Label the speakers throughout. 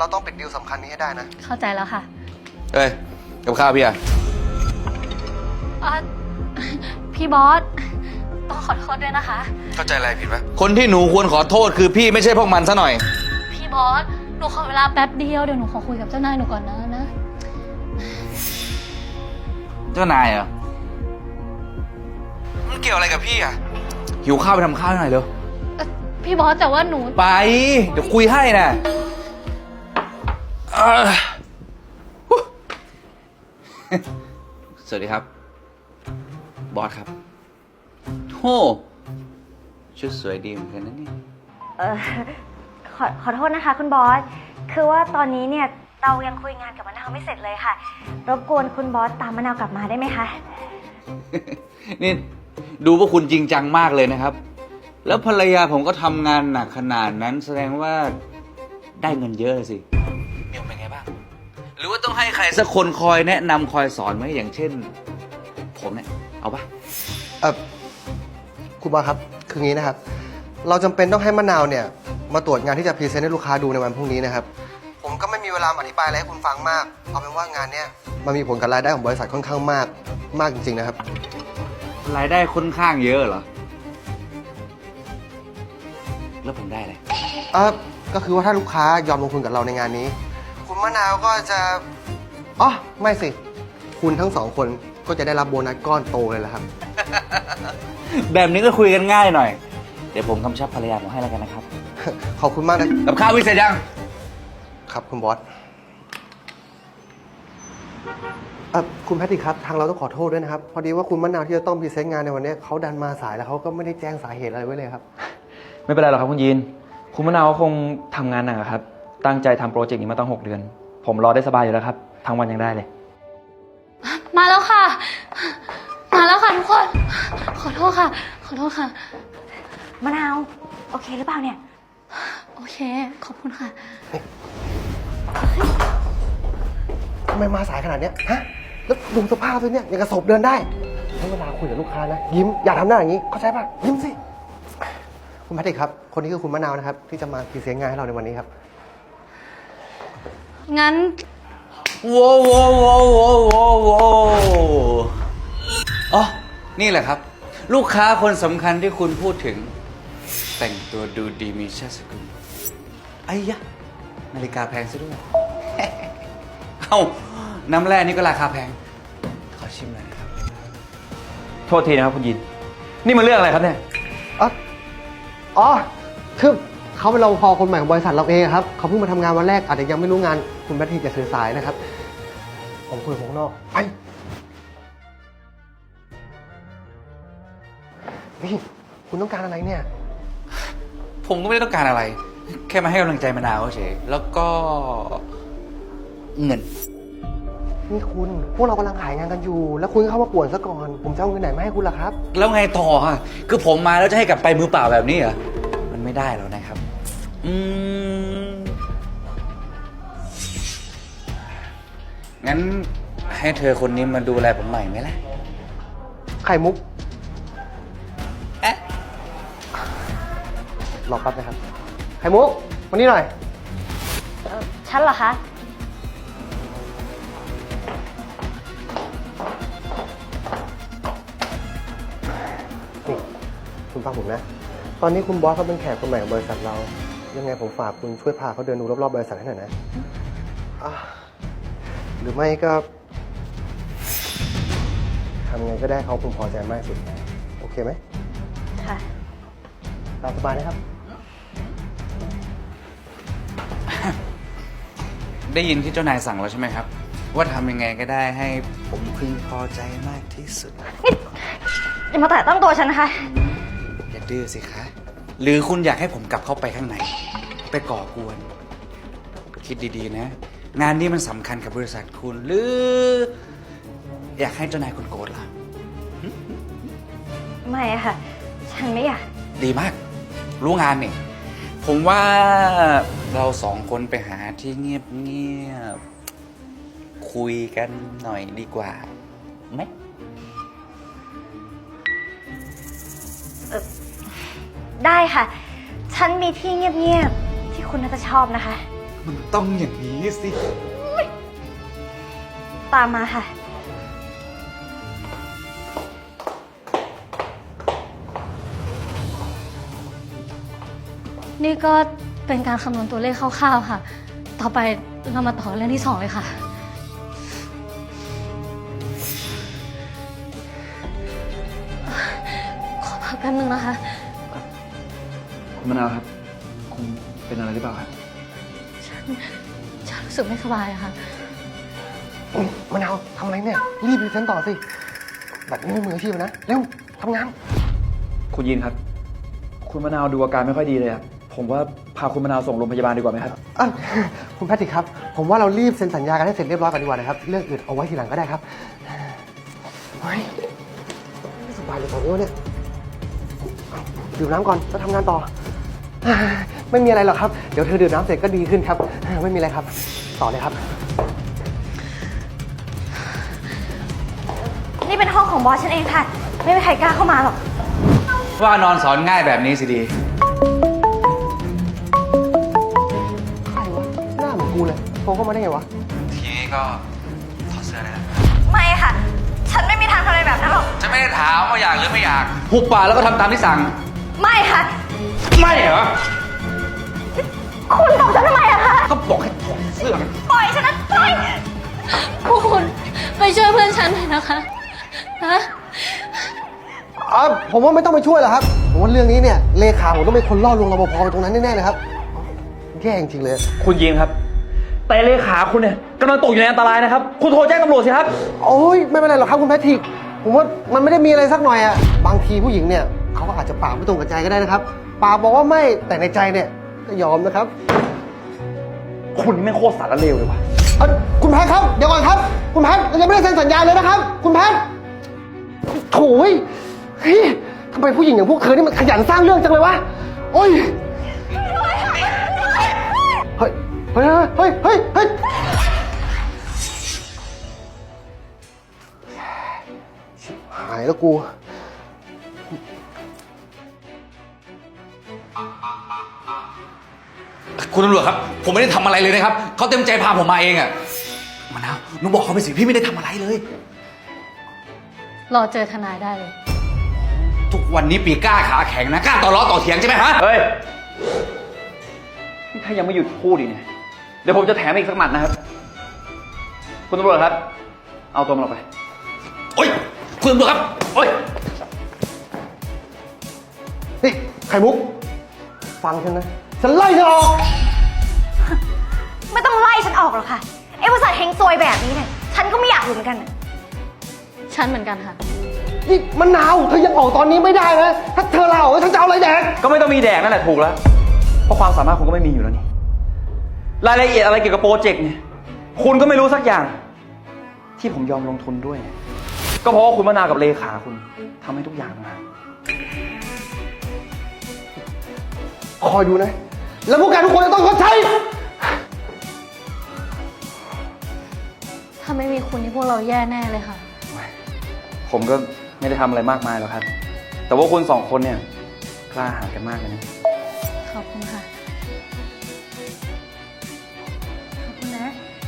Speaker 1: เราต้องปิดดีลสำคัญนี้ให้ได้นะ
Speaker 2: เข้าใจแล้วค่ะ
Speaker 3: เอ้ยกับข้าวพี่อะ
Speaker 2: พี่บอสต้องขอโทษด้วยนะคะ
Speaker 3: เข้าใจอะไรผิดปะคนที่หนูควรขอโทษคือพี่ไม่ใช่พวกมันซะหน่อย
Speaker 2: พี่บอสหนูขอเวลาแป๊บเดียวเดี๋ยวหนูขอคุยกับเจ้านายหนูก่อนนะ
Speaker 3: เจ้านายเหรอมันเกี่ยวอะไรกับพี่อะหิวข้าวไปทำข้าวหน่อยเร็ว
Speaker 2: พี่บอสแต่ว่าหนู
Speaker 3: ไปเดี๋ยวคุยให้นะสวัสดีครับบอสครับโอ้ชุดสวยดีเหมือนกันนะเนี่ย
Speaker 4: ขอโทษนะคะคุณบอสคือว่าตอนนี้เนี่ยเรายังคุยงานกับมะนาวไม่เสร็จเลยค่ะรบกวนคุณบอสตามมะนาวกลับมาได้ไหมคะ
Speaker 3: นี่ดูว่าคุณจริงจังมากเลยนะครับแล้วภรรยาผมก็ทำงานหนักขนาดนั้นแสดงว่าได้เงินเยอะเลยสิเมียเป็นไงบ้างหรือว่าต้องให้ใครสักคนคอยแนะนำคอยสอนไหมอย่างเช่นผมเนี่ยเอาปะ
Speaker 1: คุณบอสครับคืองี้นะครับเราจำเป็นต้องให้มะนาวเนี่ยมาตรวจงานที่จะพรีเซนต์ให้ลูกค้าดูในวันพรุ่งนี้นะครับผมก็ไม่มีเวลาอธิบายอะไรให้คุณฟังมากเอาเป็นว่างานเนี้ยมันมีผลกับรายได้ของบริษัทค่อนข้างมากจริงๆนะครับ
Speaker 3: รายได้ค่อนข้างเยอะเหรอแล้วผมได้อะไร
Speaker 1: ก็คือว่าถ้าลูกค้ายอมลงทุนกับเราในงานนี้คุณมะนาวก็จะอ๋อไม่สิคุณทั้งสองคนก็จะได้รับโบนัสก้อนโตเลยแหละครับ
Speaker 3: แบบนี้ก็คุยกันง่ายหน่อยเดี๋ยวผมกำชับภรรยาผมให้แล้วกันนะครับ
Speaker 1: ขอบคุณมากนะ
Speaker 3: กับข้าววิเศษยัง
Speaker 1: ครับคุณบอสคุณแพทริกครับทางเราต้องขอโทษด้วยนะครับพอดีว่าคุณมะนาวที่จะต้องพรีเซนต์งานในวันนี้เขาดันมาสายแล้วเขาก็ไม่ได้แจ้งสาเหตุอะไรไว้เลยครับ
Speaker 5: ไม่เป็นไรหรอกครับคุณยีนคุณมะนาวคงทำงานหนักครับตั้งใจทำโปรเจกต์นี้มาตั้ง6 เดือนผมรอได้สบายอยู่แล้วครับทั้งวันยังได้เลย
Speaker 2: มาแล้วค่ะทุกคนขอโทษค่ะ
Speaker 4: มะนาวโอเคหรือเปล่าเนี่ย
Speaker 2: โอเคขอบคุณค่ะ
Speaker 1: ทำไมมาสายขนาดนี้ฮะแล้วดูสภาพด้วยเนี่ยยังกระสบเดินได้ให้เวลาคุยกับลูกค้านะยิ้มอย่าทำหน้าอย่างนี้เข้าใจป่ะยิ้มสิคุณแพทริกครับคนนี้คือคุณมะนาวนะครับที่จะมาพรีเซนต์งานให้เราในวันนี้ครับ
Speaker 2: งั้น
Speaker 3: ว้อ๋อนี่แหละครับลูกค้าคนสำคัญที่คุณพูดถึงแต่งตัวดูดีมีชาติสกุลไอ้ยะนาฬิกาแพงซะด้วย เอ้าน้ำแร่นี่ก็ราคาแพงขอชิมหน่อยนะครับ
Speaker 5: โทษทีนะครับคุณยินนี่มันเรื่องอะไรครับเนี่ย
Speaker 1: อ๋อคือเขาเป็นรปภคนใหม่ของบริษัทเราเองครับเขาเพิ่งมาทำงานวันแรกอาจจะยังไม่รู้งานคุณแพทริกอย่าสื่อสายนะครับผมคุยข้างนอกไปนี่คุณต้องการอะไรเนี่ย
Speaker 3: ผมก็ไม่ได้ต้องการอะไรแค่มาให้กำลังใจมะนาวเฉยแล้วก็เงิน
Speaker 1: นี่คุณพวกเรากำลังขายงานกันอยู่แล้วคุณเข้ามาป่วนซะก่อนผมจะเอาเงินไหนมาให้คุณล่ะครับ
Speaker 3: แล้วไงต่อฮะคือผมมาแล้วจะให้กลับไปมือเปล่าแบบนี้เหรอมันไม่ได้แล้วนะครับงั้นให้เธอคนนี้มาดูแลผมใหม่ไหมล่ะ
Speaker 1: ไข่มุกรอแป๊บนะครับไข่มุกวันนี้หน่อย
Speaker 4: ฉันเหรอคะ
Speaker 1: นี่คุณฟังผมนะตอนนี้คุณบอสเขาเป็นแขกคนใหม่ของบริษัทเรายังไงผมฝากคุณช่วยพาเขาเดินดูรอบๆบริษัทให้หน่อยนะหรือไม่ก็ทำไงก็ได้เขาคงพอใจมากสุดโอเคไหม
Speaker 4: ค่ะ
Speaker 1: ตามสบายนะครับ
Speaker 3: ได้ยินที่เจ้านายสั่งแล้วใช่ไหมครับว่าทำยังไงก็ได้ให้ผมพึงพอใจมากที่สุด
Speaker 4: อย่ามาแตะต้องตัวฉันนะคะ
Speaker 3: อย่าดื้อสิคะหรือคุณอยากให้ผมกลับเข้าไปข้างในไปก่อกวนคิดดีๆนะงานนี้มันสำคัญกับบริษัทคุณหรืออยากให้เจ้านายคุณโกรธล่ะ
Speaker 4: ไม่ค่ะฉันไม่อยาก
Speaker 3: ดีมากรู้งานนี่ผมว่าเราสองคนไปหาที่เงียบๆคุยกันหน่อยดีกว่าไหม
Speaker 4: ได้ค่ะฉันมีที่เงียบๆที่คุณน่าจะชอบนะคะ
Speaker 3: มันต้องอย่างนี้สิ
Speaker 4: ตามมาค่ะ
Speaker 2: นี่ก็เป็นการคำนวณตัวเลขคร่าวๆค่ะ ต่อไปเรามาต่อเรื่องที่ 2เลยค่ะ ขอพักแป๊บนึงนะคะ
Speaker 5: คุณมะนาวครับ คุณเป็นอะไรหรือเปล่าครับ
Speaker 2: ฉันรู้สึกไม่สบายอะค่ะ
Speaker 1: มะนาวทำอะไรเนี่ย รีบพรีเซนต์ต่อสิ แบบนี้ไม่มืออาชีพนะ เร็วทำงาน
Speaker 5: คุณยินครับ คุณมะนาวดูอาการไม่ค่อยดีเลยอะผมว่าพาคุณมะนาวส่งโรงพยาบาลดีกว่าไหมครับ
Speaker 1: คุณแพทริกครับ ผมว่าเรารีบเซ็นสัญญากันให้เสร็จเรียบร้อยก่อนดีกว่านะครับ เรื่องอื่นเอาไว้ทีหลังก็ได้ครับเฮ้ยไม่สบายเลยตอนนี้วะเนี่ยดื่มน้ำก่อนแล้วทำงานต่อ ไม่มีอะไรหรอกครับ เดี๋ยวเธอดื่มน้ำเสร็จก็ดีขึ้นครับ ไม่มีอะไรครับ ต่อเลยครับ
Speaker 4: นี่เป็นห้องของบอสฉันเองค่ะ ไม่มีใครกล้าเข้ามาหรอก
Speaker 3: ว่านอนสอนง่ายแบบนี้สิดี
Speaker 1: ใครวะ หน้าเหมือนกูเลยโทรเข้ามาได้ไงวะ
Speaker 3: ทีนี้ก็ถอดเสื้อเลยนะ
Speaker 4: ไม่ค่ะ ฉันไม่มีทางทำอะไรแบบนั้นหรอก
Speaker 3: จะไม่ได้ถามว่าอยากหรือไม่อยาก หุบปากแล้วก็ทำตามที่สั่ง
Speaker 4: ไม่ค่ะ
Speaker 3: ไม่เหรอ
Speaker 4: คุณตบฉันทำไมอะคะ
Speaker 3: ก็บอกให้ถอดเสื้อมัน
Speaker 4: ปล่อยฉันนะปล่อย
Speaker 2: พวกคุณไปช่วยเพื่อนฉันหน่อยนะคะฮะ
Speaker 1: ผมว่าไม่ต้องไปช่วยหรอกครับ ผมว่าเรื่องนี้เนี่ยเลขาผมต้องเป็นคนล่อลวงรปภไปตรงนั้นแน่ๆเลยครับ แย่จริงๆเลย
Speaker 5: คุณยินครับ แต่เลขาคุณเนี่ยกำลังตกอยู่ในอันตรายนะครับ คุณโทรแจ้งตำรวจสิครับ
Speaker 1: โอ้ยไม่เป็นไรหรอกครับคุณแพทริก ผมว่ามันไม่ได้มีอะไรสักหน่อยอะบางทีผู้หญิงเนี่ยเขาก็อาจจะปากไม่ตรงกับใจก็ได้นะครับ ปากบอกว่าไม่แต่ในใจเนี่ยก็ยอมนะครับ
Speaker 5: คุณนี่แม่งโคตรสารเลวเลยว่ะ
Speaker 1: คุณแพทครับเดี๋ยวก่อนครับ คุณแพทเรายังไม่ได้เซ็นสัญญาเลยนะครับ คุณแพทโถ่เฮ้ยทำไมผู้หญิงอย่างพวกเธอนี่มันขยันสร้างเรื่องจังเลยวะโอ้ยเฮ้ยเฮ้ยเฮ้ยเฮ้ยเฮ้ยชิบหายแล้วกู
Speaker 3: คุณตำรวจครับ ผมไม่ได้ทำอะไรเลยนะครับ เขาเต็มใจพาผมมาเองอะมะนาวหนูบอกเขาไปสิพี่ไม่ได้ทำอะไรเลย
Speaker 2: รอเจอทนายได้เลย
Speaker 3: ทุกวันนี้ปีกล้าขาแข็งนะกล้าต่อล้อต่อเถียงใช่ไหมฮะ
Speaker 5: เฮ้ยนี่ถ้ายังไม่หยุดพูดอีกเนี่ย เดี๋ยวผมจะแถมอีกสักหมัดนะครับ คุณตำรวจครับ เอาตัวมันออกไป
Speaker 3: โอ๊ยคุณตำรวจครับ โอ๊ย
Speaker 1: นี่ไข่มุก ฟังฉันนะ ฉันไล่เธอออก
Speaker 4: ไม่ต้องไล่ฉันออกหรอกค่ะไอ้บริษัทเฮงซวยแบบนี้เนี่ย ฉันก็ไม่อยากอยู่เหมือนกันน่ะ
Speaker 2: ฉันเหมือนกันค่ะ
Speaker 1: นี่มันหนาวเธอยังออกตอนนี้ไม่ได้นะ ถ้าเธอลาออกฉันจะเอาอะไรแดก
Speaker 5: ก็ไม่ต้องมีแดกนั่นแหละถูกแล้ว เพราะความสามารถคุณก็ไม่มีอยู่แล้วนี่ รายละเอียดอะไรเกี่ยวกับโปรเจกต์เนี่ย คุณก็ไม่รู้สักอย่าง ที่ผมยอมลงทุนด้วย ก็เพราะว่าคุณมะนาวกับเลขาคุณทำให้ทุกอย่างมา
Speaker 1: คอยดูนะ แล้วพวกแกทุกคนจะต้องชดใช้
Speaker 2: ถ้าไม่มีคุณนี่พวกเราแย่แน่เลยค่ะ
Speaker 5: ผมก็ไม่ได้ทำอะไรมากมายหรอกครับ แต่ว่าคุณสองคนเนี่ยกล้าหาญกันมากเลยนะ
Speaker 2: ขอบคุณค่ะ
Speaker 4: ขอบคุณนะ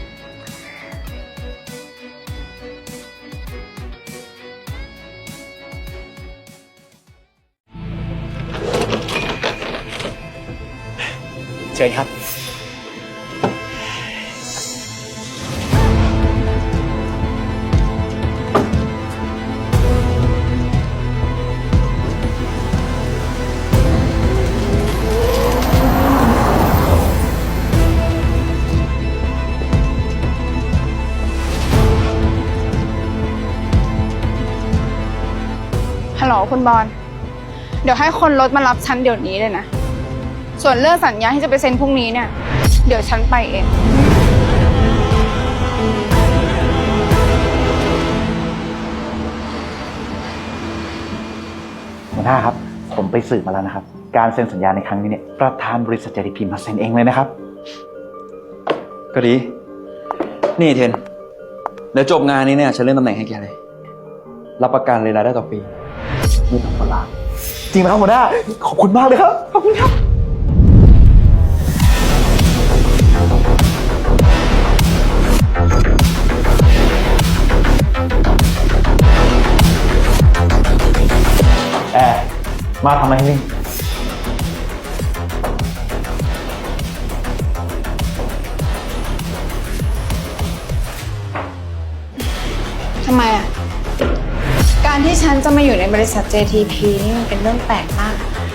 Speaker 3: เชิญครับ
Speaker 6: ฮัลโหลคุณบอล เดี๋ยวให้คนรถมารับฉันเดี๋ยวนี้เลยนะ ส่วนเรื่องสัญญาที่จะไปเซ็นพรุ่งนี้เนี่ย เดี๋ยวฉันไปเอง
Speaker 7: หัวหน้าครับ ผมไปสืบมาแล้วนะครับ การเซ็นสัญญาในครั้งนี้เนี่ยประธานบริษัทจริพิมพ์มาเซ็นเองเลยนะครับ
Speaker 5: ก็ดี นี่เทน เดี๋ยวจบงานนี้เนี่ยฉันเลื่อนตำแหน่งให้แกเลย รับประกันเลยรายได้ต่อปี
Speaker 7: นี่ต้องคนละจริงไหมครับหัวหน้า ขอบคุณมากเลยครับ ขอบคุณครับมาทำอะไรที่นี่
Speaker 6: ทำไมอ่ะ การที่ฉันจะมาอยู่ในบริษัท JTP นี่มันเป็นเรื่องแปลกมาก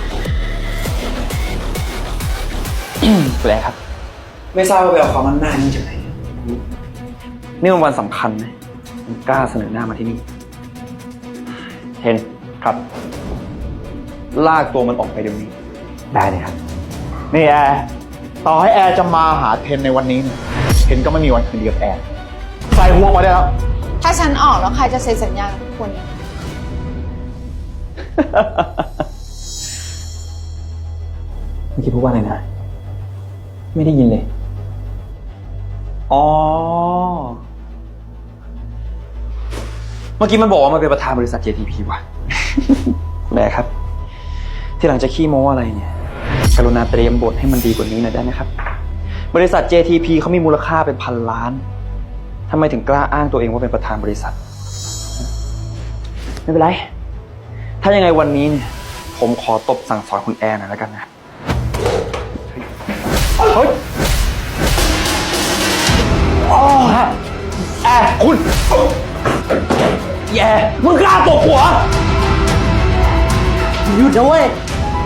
Speaker 5: แปลกครับ ไม่ทราบว่าไปเอาความมั่นหน้านี่จากไหนนี่มันวันสำคัญนะมันกล้าเสนอหน้ามาที่นี่
Speaker 7: เห็นครับ
Speaker 5: ลากตัวมันออกไปเดี๋ยวนี้
Speaker 7: ได้เลยครับ นี่แอร์ต่อให้แอร์จะมาหาเทนในวันนี้เนี่ยเทนก็ไม่มีวันคืนดีกับแอร์ใส่หัวมาได้แล้ว
Speaker 6: ถ้าฉันออกแล้วใครจะเซ็นสัญญากับคุณ
Speaker 5: เมื่อกี้พูดว่าอะไรนะ ไม่ได้ยินเลย อ๋อ เมื่อกี้มันบอกว่ามันเป็นประธานบริษัท JTP ว่ะ แหมครับ ที่หลังจะขี้โม้อะไรเนี่ย กรุณาเตรียมบทให้มันดีกว่านี้หน่อยได้ไหมครับ บริษัท JTP เขามีมูลค่าเป็นพันล้านทำไมถึงกล้าอ้างตัวเองว่าเป็นประธานบริษัท ไม่เป็นไร ถ้ายังไงวันนี้เนี่ย ผมขอตบสั่งสอนคุณแอร์หน่อยแล้วกันนะ เฮ้ยอ๋อแอร์คุณแย่มึงกล้าตบหัวหยุดนะเว้ย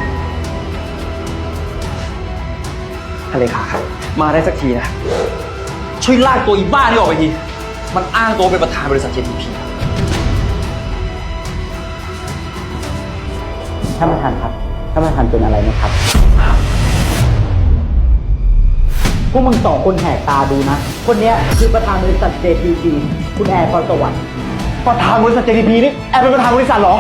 Speaker 5: ท่านเลขาครับ มาได้สักทีนะ ช่วยลากตัวอีบ้านี่ออกไปที มันอ้างตัวเป็นประธานบริษัท JTP
Speaker 7: ท่านประธานครับ ท่านประธานเป็นอะไรไหมครับ พวกมึงสองคนแหกตาดูนะ คนเนี้ยคือประธานบริษัท JTP คุณแอร์พรสวรรค์ประธานบริษัท JTP นี่แอร์เป็นประธานบริษัทเหรอ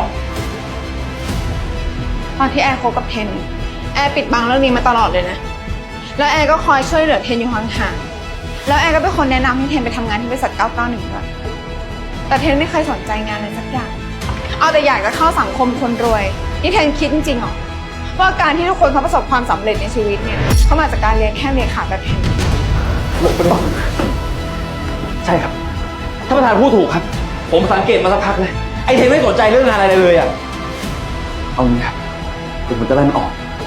Speaker 6: ตอนที่แอร์คบกับเทน แอร์ปิดบังเรื่องนี้มาตลอดเลยนะ แล้วแอร์ก็คอยช่วยเหลือเทนอยู่ห่างๆ แล้วแอร์ก็เป็นคนแนะนำให้เทนไปทำงานที่บริษัท 991 ด้วย แต่เทนไม่เคยสนใจงานเลยสักอย่าง เอาแต่อยากจะเข้าสังคมคนรวย นี่เทนคิดจริงๆหรอว่าการที่ทุกคนเขาประสบความสำเร็จในชีวิตเนี่ยเขามาจากการเรียนแค่เลขาแบบเทน
Speaker 5: ใช่ครับ ท่านประธานพูดถูกครับ ผมสังเกตมาสักพักเลย ไอเทนไม่สนใจเรื่องงานอะไรเลยอ่ะ เอางี้ครับเดี๋ยวผมจะไล่มันออก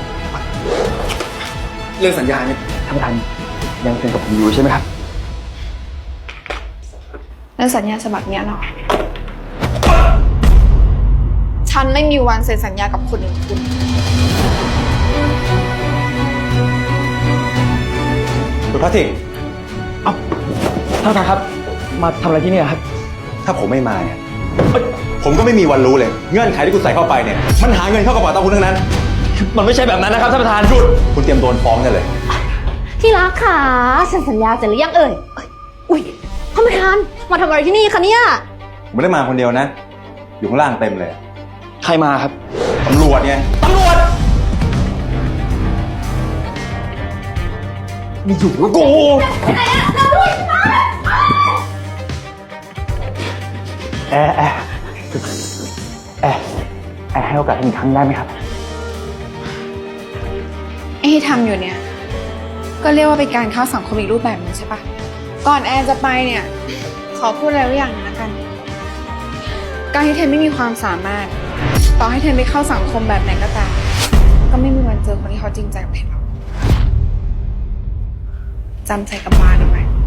Speaker 5: เรื่องสัญญาเนี่ยท่านประธานยังเซ็นกับผมอยู่ใช่ไหมครับ
Speaker 6: แล้วสัญญาฉบับเนี้ยเนาะฉันไม่มีวันเซ็นสัญญากับคนอย่างคุณ
Speaker 8: คุณพระทิก
Speaker 5: เอ้าท่านประธานครับ มาทำอะไรที่นี่ครับ
Speaker 8: ถ้าผมไม่มาเนี่ยผมก็ไม่มีวันรู้เลย เงื่อนไขที่คุณใส่เข้าไปเนี่ย มันหาเงินเข้ากระเป๋าตังคุณทั้งนั้น
Speaker 5: มันไม่ใช่แบบนั้นนะครับท่านประธาน
Speaker 8: หยุด คุณเตรียมโดนฟ้องได้เลย
Speaker 2: ที่รักค่ะเซ็นสัญญาเสร็จหรือยังเอ่ยอุ๊ยท่านประธานมาทำอะไรที่นี่คะเนี่ย
Speaker 8: ผมไม่ได้มาคนเดียวนะ อยู่ข้างล่างเต็มเลย
Speaker 5: ใครมาครับ
Speaker 8: ตำรวจไง
Speaker 5: ตำรวจมีอยู่แล้วกู
Speaker 7: แอร์ให้โอกาสอีกครั้งได้ไหมครับ
Speaker 6: ไอ้ที่ทำอยู่เนี่ย ก็เรียกว่าเป็นการเข้าสังคมอีกรูปแบบหนึงใช่ปะก่อนแอนจะไปเนี่ย ขอพูดอะไรไว้อย่างหนึงละกัน การที่เทนไม่มีความสามารถ ต่อให้เทนไปเข้าสังคมแบบไหนก็ตามก็ไม่มีวันเจอคนที่เขาจริงใจกับเทนหรอกจำใส่กระบาลเอาไว้